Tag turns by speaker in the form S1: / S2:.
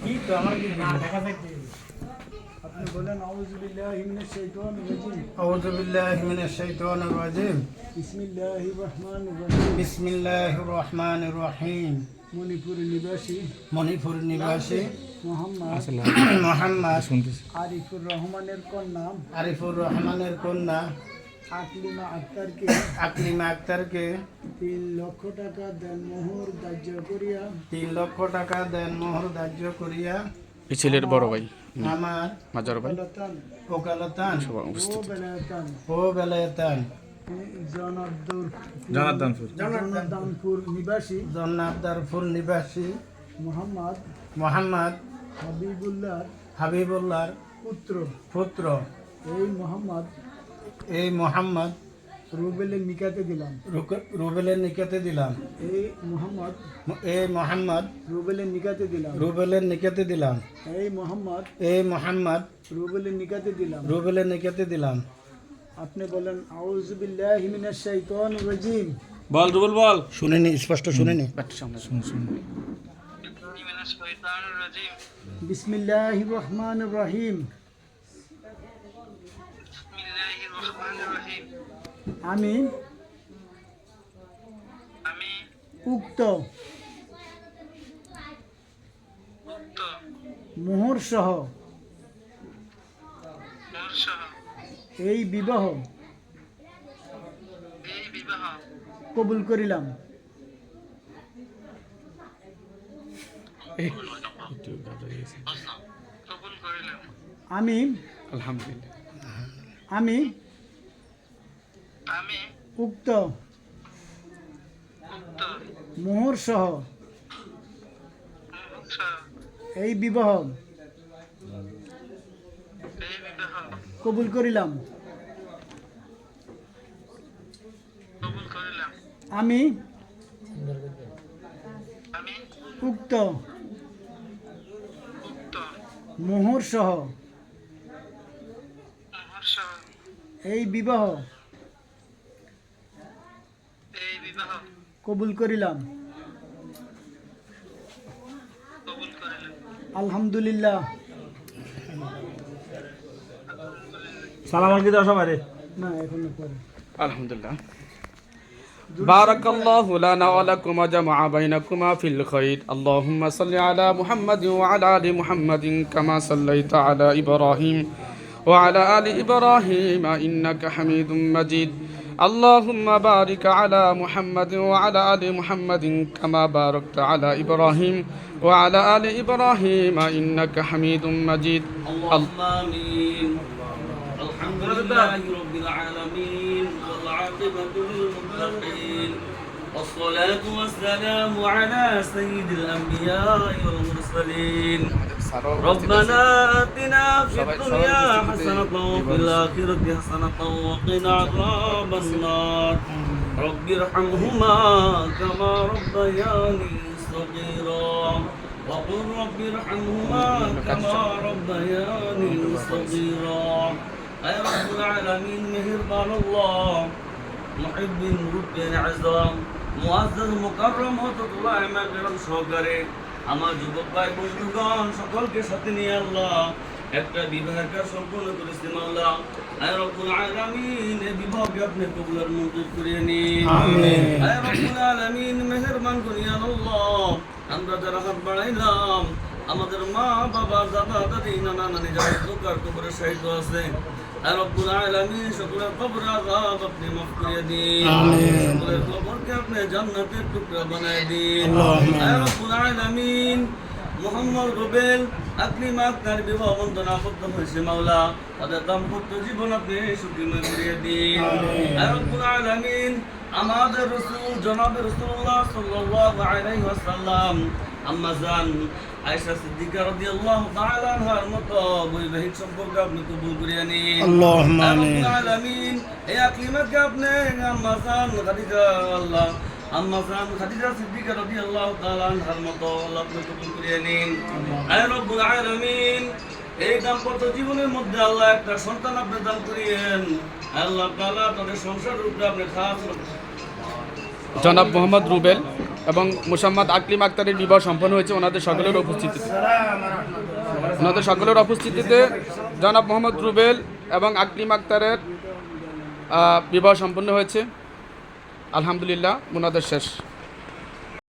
S1: আপনি বলেন আউযু বিল্লাহি মিনাশ শাইতানির রাজিম।
S2: আউযু বিল্লাহি মিনাশ শাইতানির রাজিম।
S1: বিসমিল্লাহির রহমানির রহিম।
S2: বিসমিল্লাহির রহমানির রহিম।
S1: মণিপুর নিবাসী
S2: মোহাম্মদ
S1: আরিফুর রহমানের
S2: কন্যা আকলিমা আক্তারকে
S1: 3 লক্ষ টাকা দেনমোহর ধার্য করিয়া
S3: এই ছেলের বড় ভাই
S2: আমার
S3: মাজার ভাই
S2: ওকালতান
S3: উপস্থিত
S2: ও বেলায়েতান
S1: জনার্দনপুর নিবাসী
S2: মোহাম্মদ হাবিবুল্লাহর পুত্র এই মোহাম্মদ
S1: রুবেলের নিকাতে দিলাম। এই মোহাম্মদ রুবেলের নিকাতে দিলাম। আপনি বলেন আউযু বিল্লাহি মিনাশ শাইতানির রাজিম।
S3: বল রুবেল বল।
S2: শুনেনি, স্পষ্ট শুনেনি।
S1: বিসমিল্লাহির রহমানির রহিম। আমি উক্ত মোহর সহ এই বিবাহ কবুল করিলাম। আমি উক্ত মোহর সহ এই বিবাহ কবুল করিলাম। আমি উক্ত মোহর সহ এই বিবাহ কবুল করিলাম। আলহামদুলিল্লাহ।
S3: সালাম আলাইকুম দাও সবাই।
S1: না এখনো পরে।
S3: আলহামদুলিল্লাহ। بارك الله لنا ولكم وجمع بينكما في الخير اللهم صل على محمد وعلى آل محمد كما صليت على إبراهيم وعلى آل إبراهيم إنك حميد مجيد اللهم بارك على محمد وعلى آل محمد كما باركت على إبراهيم وعلى آل إبراهيم إنك حميد مجيد
S4: اللهم آمين. الحمد لله رب العالمين والعاقبة للمتقين والصلاة والسلام على سيد الأنبياء والمرسلين ربنا آتنا في الدنيا حسنة وفي الآخرة حسنة وقنا عذاب النار رب ارحمهما كما ربياني صغيرا وقل رب ارحمهما كما ربياني صغيرا أي رب العالمين مهربان الله محب رب عظام মুআজ্জাজ মুকাররম হযরতুল্লাহ মাগরিব সহকারে আমার যুবক ভাই বন্ধুগণ সকলকে সাথে নিয়ে আল্লাহ একটা বিবাহের কাজ সম্পন্ন করেছেন আল্লাহ। আয় রব্বুল আলামিন এই বিবাহকে আপনি কবুল মঞ্জুর করে নিন। আমিন। আয় রব্বুল আলামিন মেহেরবান করিয়া আল্লাহ আমরা যারা হাত বাড়াইলাম আমাদের মা বাবা দাদা দাদি নানা নানি যারা দোকার কবরে শহীদ আছে আয় রব্বুল আলামিন সকলের কবর আযাব আপনি মাফ করে দিন। আমিন। সকলের কবরকে আপনি জান্নাতের টুকরা বানায় দিন। আয় রব্বুল আলামিন মোহাম্মদ রুবেল আকলিমা আক্তার বিবাহ বন্ধন আবদ্ধ হয়েছে মাওলা তাদের দাম্পত্য জীবন আপনি সুখময় করিয়ে দিন। আয় রব্বুল আলামিন আমাদের রাসূল জনাবে রাসূলুল্লাহ সাল্লাল্লাহু আলাইহি ওয়াসাল্লাম আম্মা জান আয়েশা সিদ্দিকা রাদিয়াল্লাহু তাআলা আনহার মতো বৈবাহিক সম্পর্ক আপনি কবুল করিয়ে নিন। আল্লাহুম্মা আমিন। রব্বুল আলামিন এই আকলিমাকে আপনি আম্মা জান খাদিজা আল্লাহ আম্মা জান খাদিজা সিদ্দিকা রাদিয়াল্লাহু তাআলা আনহার মতো আল্লাহ আপনি কবুল করিয়ে নিন। আয় রব্বুল আলামিন এই দাম্পত্য জীবনের মধ্যে আল্লাহ একটা সন্তান আপনি দান করিয়েন। আল্লাহ তাআলা তাদের সংসারের উপরে আপনি খাস
S3: জনাব মোহাম্মদ রুবেল এবং মোসাম্মদ আকলিম আক্তারের বিবাহ সম্পন্ন হয়েছে ওনাদের সকলের উপস্থিতিতে জনাব মোহাম্মদ রুবেল এবং আকলিম আক্তারের বিবাহ সম্পন্ন হয়েছে। আলহামদুলিল্লাহ, মুনাজাত শেষ।